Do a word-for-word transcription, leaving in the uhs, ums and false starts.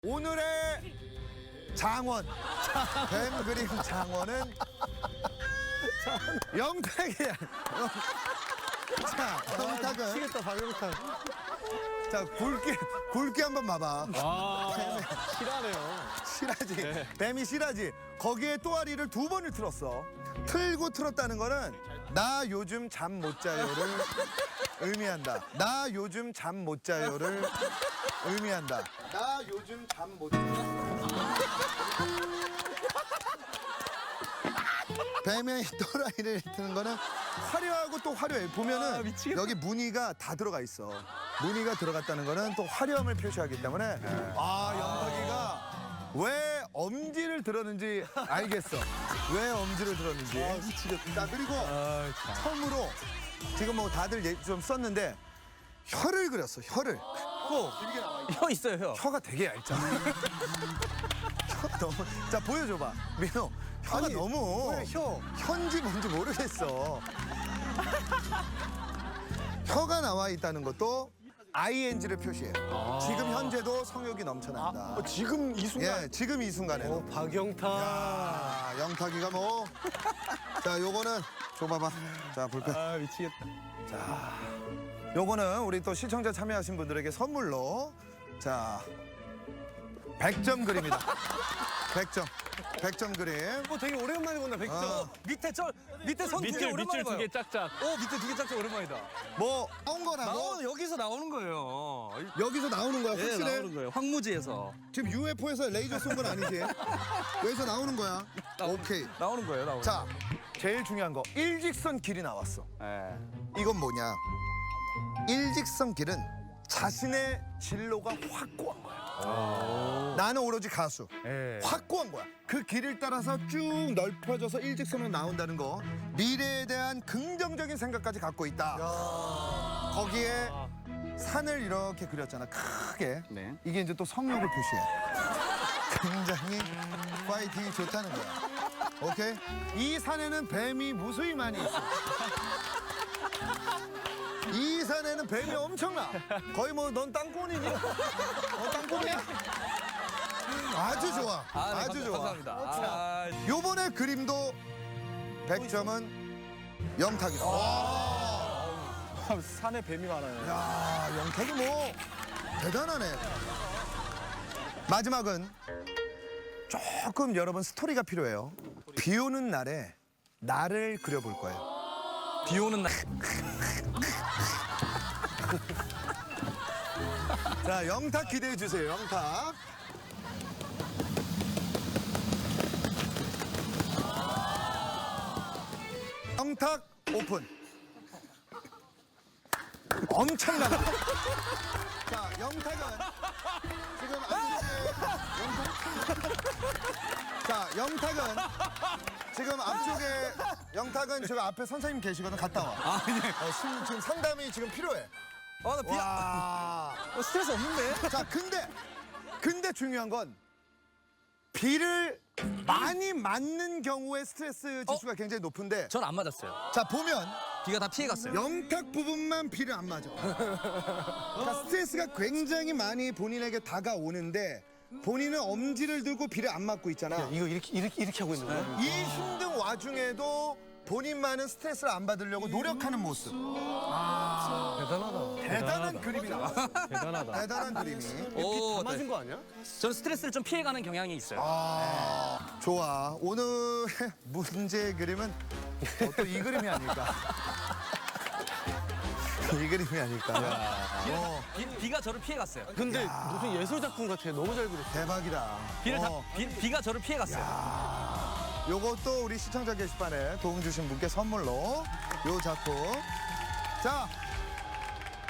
오늘의 장원, 뱀 그림 장원은 영탁이야. 자, 영탁은 치겠다 박영탁. 자 굵게 굵게 한번 봐봐. 아 실하네요. 실하지. 네. 뱀이 실하지. 거기에 또아리를 두 번을 틀었어. 틀고 틀었다는 거는 나 요즘 잠 못 자요를 의미한다. 나 요즘 잠 못 자요를 의미한다. 나 요즘 잠 못 자요. 뱀의 또라이를 트는 거는 화려하고 또 화려해. 보면은 아, 미치겠다. 여기 무늬가 다 들어가 있어. 무늬가 들어갔다는 거는 또 화려함을 표시하기 때문에 아 영탁이가 왜 엄지를 들었는지 알겠어. 왜 엄지를 들었는지. 아, 미치겠다. 자 그리고 아, 참. 처음으로 지금 뭐 다들 예- 좀 썼는데 혀를 그렸어. 혀를. 혀 있어요 혀. 혀가 되게 얇잖아. 혀가 너무. 자 보여줘봐. 민호. 혀가 아니, 너무. 왜 혀? 혀인지 뭔지 모르겠어. 혀가 나와 있다는 것도 아이엔지를 표시해요. 지금 현재도 성욕이 넘쳐난다. 어, 지금 이 순간. 예, 지금 이 순간에도. 어, 박영탁. 아, 영탁이가 뭐. 자, 요거는 줘봐봐. 자, 볼펜. 아 미치겠다. 요거는 우리 또 시청자 참여하신 분들에게 선물로 자, 백 점 그림이다. 백 점. 백 점 그림. 어 되게 오랜만에 본다 백점. 어. 밑에 저 밑에 선 두 개 밑줄 오랜만에 밑줄 봐요. 두 개 짝짝. 어 밑에 두 개 짝짝 오랜만이다. 뭐 나온 거라고? 나오는 여기서 나오는 거예요. 여기서 나오는 거야, 예 확실해? 나오는 거예요. 황무지에서 지금 유에프오에서 레이저 쏜 건 아니지? 여기서 나오는 거야. 오케이. 나오는 거예요. 나오는. 자, 제일 중요한 거. 일직선 길이 나왔어. 예. 이건 뭐냐? 일직선 길은 자신의 진로가 확고한 거야. 나는 오로지 가수. 예. 확고한 거야. 그 길을 따라서 쭉 넓혀져서 일직선으로 나온다는 거. 미래에 대한 긍정적인 생각까지 갖고 있다. 거기에 산을 이렇게 그렸잖아. 크게. 네. 이게 이제 또 성욕을 표시해. 굉장히 파이팅이 좋다는 거야. 오케이? 이 산에는 뱀이 무수히 많이 있어. 이 산에는 뱀이 엄청나. 거의 뭐 넌 땅콩이니? 너 땅콩이야? 아주 좋아. 아, 네, 아주 감사- 좋아. 감사합니다. 아, 요번에 그림도 백 점은 영탁이다. 와. 산에 뱀이 많아요. 야, 영탁이 뭐 대단하네. 마지막은 조금 여러분 스토리가 필요해요. 비 오는 날에 나를 그려볼 거예요. 비 오는 날. 자, 영탁 기대해 주세요. 영탁. 영탁 오픈. 엄청나다. 자, 영탁은 지금 안쪽에 영탁. 자, 영탁은 지금 앞쪽에 영탁은 지금 앞에 선생님 계시거든. 갔다 와. 아 예. 어, 심- 지금 상담이 지금 필요해. 아나 비. 와. 어, 스트레스 없는데? 자, 근데 근데 중요한 건 비를 많이 맞는 경우에 스트레스 지수가 굉장히 높은데 전 안 맞았어요. 자, 보면 비가 다 피해갔어요. 영탁 부분만 비를 안 맞아. 자, 스트레스가 굉장히 많이 본인에게 다가오는데 본인은 엄지를 들고 비를 안 맞고 있잖아. 이거 이렇게 이렇게 이렇게 하고 있는 거야? 이 힘든 와중에도 본인만은 스트레스를 안 받으려고 노력하는 모습. 대단하다. 대단한 그림이 나와. 대단하다. 대단한 그림이. 오, 맞은 거 아니야? 저는 스트레스를 좀 피해가는 경향이 있어요. 아, 좋아. 오늘의 문제 그림은 또 이 그림이 아닐까. 이 그림이 아닐까. 어, 비, 비가 저를 피해갔어요. 근데 무슨 예술 작품 같아. 너무 잘 그렸어. 대박이다. 비를 다, 어, 비, 비가 저를 피해갔어요. 요것도 우리 시청자 게시판에 도움 주신 분께 선물로 요 작품. 자,